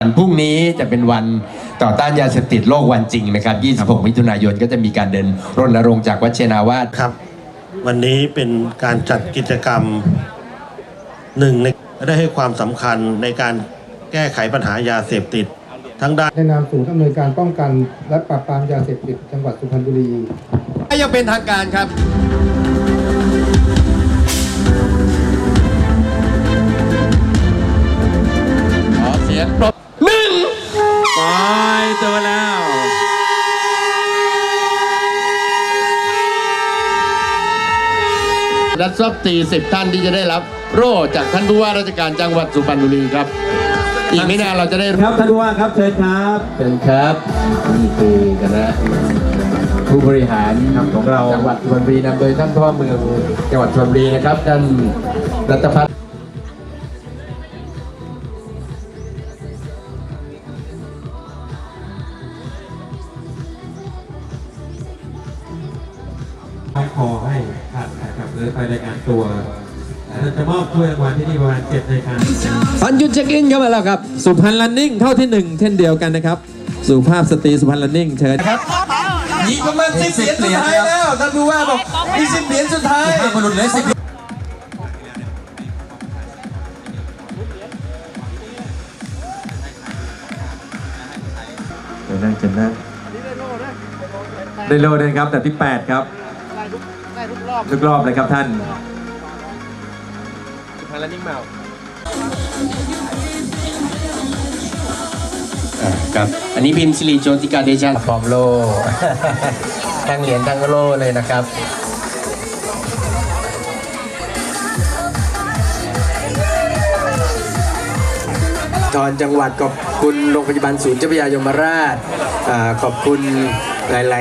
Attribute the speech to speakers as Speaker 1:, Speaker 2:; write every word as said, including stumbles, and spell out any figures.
Speaker 1: วันพรุ่งนี้จะเป็นวันต่อต้านยาเสพติดโลกวันจริงนะครับยี่สิบหกมิถุนายนก็จะมีการเดินรณรงค์จากวัดเชนาวาส
Speaker 2: ครับวันนี้เป็นการจัดกิจกรรมหนึ่งในได้ให้ความสำคัญในการแก้ไขปัญหายาเสพติดทั้งด้าน
Speaker 3: ในนามศูนย์อำนวยการป้องกันและปราบปรามยาเสพติดจังหวัดสุพรรณบุรี
Speaker 1: ยังเป็นทางการครับขอเสียงปรบหนึ่ง
Speaker 4: ปล่อยตัวแล้ว
Speaker 1: รัฐทรัพย์สี่สิบท่านที่จะได้รับโล่จากท่านผู้ว่าราชการจังหวัดสุพรรณบุรีครับอีกไม่นานเราจะได้
Speaker 4: ครับท่านผู้ว่าครับเชิญครับ
Speaker 1: เชิญครับนี่คือคณะผู้บริหารของเราจังหวัดสุพรรณบุรีนำโดยท่านพ่อเมืองจังหวัดสุพรรณบุรีนะครับท่านรัตพัฒน์
Speaker 5: ขอให้ท่านนะครับเดินไปรายงานตัวเราจะมอบถ้วยรางวัลที่นี่ประมาณเจ็ดรายการ
Speaker 4: พันยุทธเช็คอินเข้ามาแล้วครับสุพรรณรันนิ่งเท่าที่หนึ่งเช่นเดียวกันนะครับสุภาพสตรีสุพรรณรันนิ่งเชิญ
Speaker 1: ครับยิงประมาณสิบเหรียญสุดท้ายแล้วท่านผู้ว่าบอกมีสิบเหรียญสุดท้ายถ้าคนหลุดเลยสิบ
Speaker 4: เดี๋ยวนั่งเจนนั่งได้โลด้วยครับแต่ที่แปดครับทุกรอบเลยครับท่าน
Speaker 1: พารานิ่งเมาครับอันนี้พิมพ์สิริโจติกาเดชะฟอร์มโลทั้งเหรียญทั้งโลเลยนะครับทอนจังหวัดขอบคุณโรงพยาบาลศูนย์เจ้าพระยายมราชขอบคุณหลายๆ